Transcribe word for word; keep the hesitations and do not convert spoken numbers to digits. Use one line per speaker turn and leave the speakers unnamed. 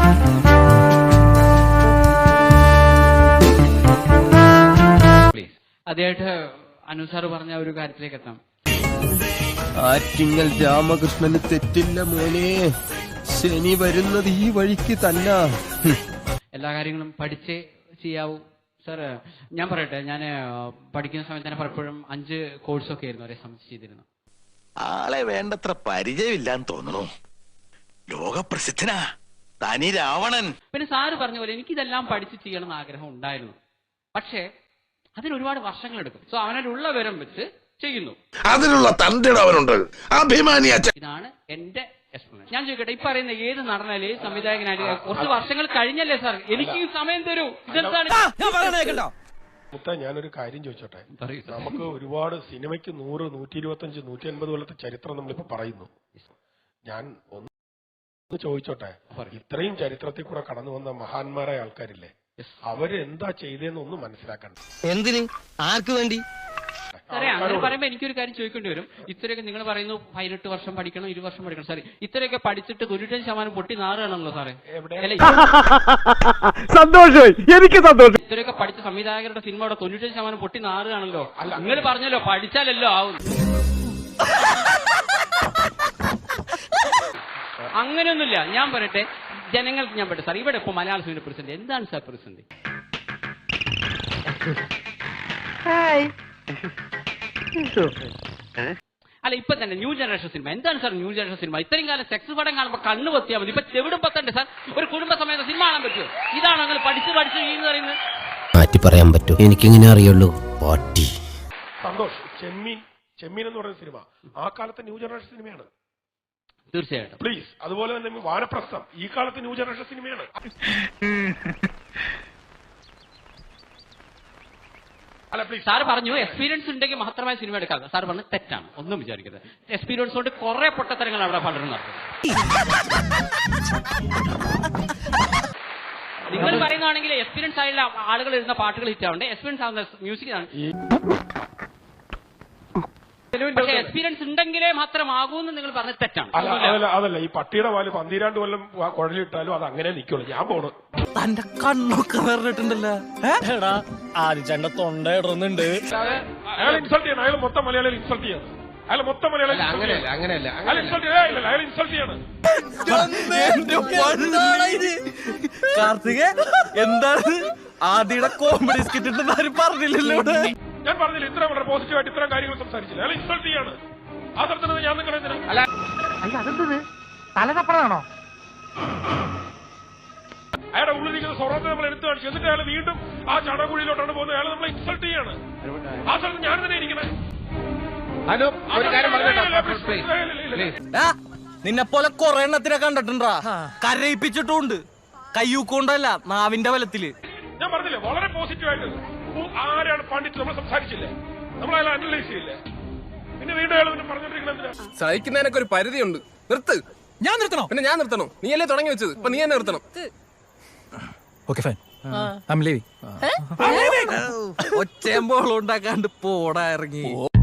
അതായിട്ട് അനുസാർ പറഞ്ഞ ഒരു കാര്യത്തിലേക്ക് എത്താം.
ആറ്റിങ്ങൽ രാമകൃഷ്ണന് തെറ്റില്ല മോനെ, ശനി വരുന്നത് ഈ വഴിക്ക് തന്നെ.
എല്ലാ കാര്യങ്ങളും പഠിച്ചേ ചെയ്യാവൂ. സാർ ഞാൻ പറയട്ടെ, ഞാൻ പഠിക്കുന്ന സമയത്ത് തന്നെ പലപ്പോഴും അഞ്ച് കോഴ്സൊക്കെ ആയിരുന്നു ഒരേ സമയത്ത് ചെയ്തിരുന്നു.
ആളെ വേണ്ടത്ര പരിചയമില്ലാന്ന് തോന്നുന്നു. ലോകപ്രസിദ്ധനാ തനി രാവണൻ.
പിന്നെ സാറ് പറഞ്ഞ പോലെ എനിക്കിതെല്ലാം പഠിച്ച് ചെയ്യണം എന്ന് ആഗ്രഹം ഉണ്ടായിരുന്നു. പക്ഷേ അതിന് ഒരുപാട് വർഷങ്ങൾ എടുക്കും. സോ അവനുള്ള വിവരം വെച്ച് ചെയ്യുന്നു.
അതിനുള്ള തന്റെടവനുണ്ട്, അഭിമാനിയ.
ഇതാണ് എന്റെ എക്സ്പ്ലനേഷൻ. ഞാൻ ചോദിക്കട്ടെ, ഈ പറയുന്ന ഏത് നടനാലും ഏത് സംവിധായകനായാലും കുറച്ച് വർഷങ്ങൾ കഴിഞ്ഞല്ലേ സാർ, എനിക്ക് സമയം തരൂ. ഇതെന്താണ്?
ഞാനൊരു കാര്യം ചോദിച്ചോട്ടെ. നമുക്ക് ഒരുപാട് സിനിമയ്ക്ക് നൂറ് നൂറ്റി ഇരുപത്തി അഞ്ച് നൂറ്റി അൻപത് കൊല്ലത്തെ ചരിത്രം നമ്മളിപ്പോ പറയുന്നു. ഞാൻ ഒന്ന് ചോദിച്ചോട്ടെ, ഇത്രയും ചരിത്രത്തിൽ കൂടെ കടന്നു വന്ന മഹാന്മാരായ ആൾക്കാരില്ലേ, അവര് എന്താ ചെയ്തതെന്ന് ഒന്ന് മനസ്സിലാക്കണ്ട.
എന്തിന്, ആർക്ക് വേണ്ടി?
സാറേ അങ്ങനെ പറയുമ്പോ എനിക്കൊരു കാര്യം ചോദിക്കേണ്ടി വരും. ഇത്രയൊക്കെ നിങ്ങൾ പറയുന്നു പതിനെട്ട് വർഷം പഠിക്കണം, ഇരു വർഷം പഠിക്കണം. സാറേ ഇത്രയൊക്കെ പഠിച്ചിട്ട് തൊണ്ണൂറ്റഞ്ച് ശതമാനം പൊട്ടി നാറുകയാണല്ലോ സാറേ.
സന്തോഷമായി, എനിക്ക് സന്തോഷം.
ഇത്രയൊക്കെ പഠിച്ച സംവിധായകരുടെ സിനിമയുടെ തൊണ്ണൂറ്റഞ്ച് ശതമാനം പൊട്ടി നാറുകയാണല്ലോ. നിങ്ങൾ പറഞ്ഞല്ലോ പഠിച്ചാലല്ലോ ആവും. അങ്ങനെയൊന്നുമില്ല. ഞാൻ പറയട്ടെ, ജനങ്ങൾക്ക് ഞാൻ പറയട്ടെ സാർ, ഇവിടെ ഇപ്പൊ മലയാള സിനിമ പ്രതിസന്ധി എന്താണ് സാർ? പ്രതിസന്ധി അല്ല ഇപ്പൊ തന്നെ ന്യൂ ജനറേഷൻ സിനിമ എന്താണ് സാർ? ന്യൂ ജനറേഷൻ സിനിമ ഇത്രയും കാലം സെക്സ് പടം കാണുമ്പോൾ കണ്ണു പൊത്തിയാൽ മതി. ഇപ്പൊ ചെവിടും പത്തണ്ടേ സാർ? ഒരു കുടുംബ സമയത്ത് സിനിമ കാണാൻ പറ്റുമോ? ഇതാണ് അങ്ങനെ പഠിച്ച് പഠിച്ച് ചെയ്യുന്ന പറയുന്നത്.
മാറ്റി പറയാൻ പറ്റൂ, എനിക്കിങ്ങനെ അറിയുള്ളൂ. പാട്ടി
സന്തോഷ്, ചെമ്മീൻ ചെമ്മീൻ എന്ന് പറയുന്ന സിനിമ ആ കാലത്തെ ന്യൂ ജനറേഷൻ സിനിമയാണ്.
തീർച്ചയായിട്ടും
പ്ലീസ്. അതുപോലെ തന്നെ വാനപ്രസ്ഥം ഈ കാലത്ത് ന്യൂ ജനറേഷൻ സിനിമയാണ്.
സാർ പറഞ്ഞു എക്സ്പീരിയൻസ് ഉണ്ടെങ്കിൽ മാത്രമായി സിനിമ എടുക്കാം. സാർ പറഞ്ഞു തെറ്റാണ്, ഒന്നും വിചാരിക്കരുത്. എക്സ്പീരിയൻസ് കൊണ്ട് കുറെ പൊട്ടത്തരങ്ങൾ അവിടെ പലരും നിങ്ങൾ പറയുന്നതാണെങ്കിൽ എക്സ്പീരിയൻസ് ആയുള്ള ആളുകൾ എഴുതുന്ന പാട്ടുകൾ ഹിറ്റ് ആവണ്ടേ? എക്സ്പീരിയൻസ് ആവുന്ന മ്യൂസിക് ആണ്. എക്സ്പീരിയൻസ് ഉണ്ടെങ്കിലേ മാത്രമാകൂന്ന് നിങ്ങൾ പറഞ്ഞത് തെറ്റാണ്.
അതല്ല, ഈ പട്ടിയുടെ പാല് പന്തിരാണ്ട് കൊല്ലം കുഴലിട്ടാലും അത് അങ്ങനെ നിൽക്കുള്ളൂ. ഞാൻ പോണു.
തന്റെ കണ്ണൊക്കെ വേറിട്ടുണ്ടല്ലോ. ആദ്യച്ചേട്ടന്റെ തൊണ്ട ഇടുന്നുണ്ട്.
അയാൾ ഇൻസൾട്ട് ചെയ്യണം. അയാൾ മൊത്തം മലയാളികൾ ഇൻസൾട്ട് ചെയ്യണം. അയാൾ മൊത്തം മലയാളികൾ
അങ്ങനെയല്ല അങ്ങനെയല്ല
അയാൾ ഇൻസൾട്ട് ചെയ്യണം. അയാൾ ഇൻസൾട്ട് ചെയ്യണം.
കാർത്തിക എന്താണ് ആദ്യയുടെ കോമഡി സ്കിറ്റ് ആരും പറഞ്ഞില്ലല്ലോ.
ഞാൻ പറഞ്ഞില്ല, ഇത്രയും വളരെ പോസിറ്റീവായിട്ട് ഇത്തരം കാര്യങ്ങൾ സംസാരിച്ചില്ല. അയാൾ ഇൻസൾട്ട് ചെയ്യാണ്. ആ സ്ഥലത്ത് ഞാൻ നിങ്ങളെ
തലതപ്പണാണോ?
അയാളുടെ ഉള്ളിലിരിക്കുന്ന സ്വർണ്ണത്തെ നമ്മൾ എടുത്തു കാണിച്ചു. എന്നിട്ട് അയാൾ വീണ്ടും ആ ചടകുഴിയിലോട്ടാണ് പോകുന്നത്. അയാൾ നമ്മളെ ഇൻസൾട്ട് ചെയ്യാണ്. ആ സ്ഥലത്ത് ഞാൻ തന്നെ ഇരിക്കണേ.
നിന്നെ പോലെ കൊറേ എണ്ണത്തിനെ കണ്ടിട്ടുണ്ടാ, കരയിപ്പിച്ചിട്ടുണ്ട്. കയ്യൂക്കൊണ്ടല്ല, നാവിന്റെ ബലത്തില്.
ഞാൻ പറഞ്ഞില്ലേ, വളരെ പോസിറ്റീവായിട്ട് ആരാണ് പണ്ഡിറ്റ് നമ്മൾ സംസാരിച്ചില്ലേ, നമ്മൾ അയാൾ അനലൈസ് ചെയ്യില്ലേ. പിന്നെ വീണ്ടും അയാൾ പിന്നെ പറഞ്ഞോണ്ടിരിക്കുന്നത്
സഹിക്കുന്നതിനൊക്കെ ഒരു പരിധിയുണ്ട്. നിർത്ത്.
ഞാൻ നിർത്തണോ?
പിന്നെ ഞാൻ നിർത്തണോ? നീ അല്ലേ തുടങ്ങി വെച്ചത്, ഇപ്പൊ നീ തന്നെ നിർത്തണം.
ഒച്ചയമ്പോളം ഉണ്ടാക്കാണ്ട് പോടാ ഇറങ്ങി.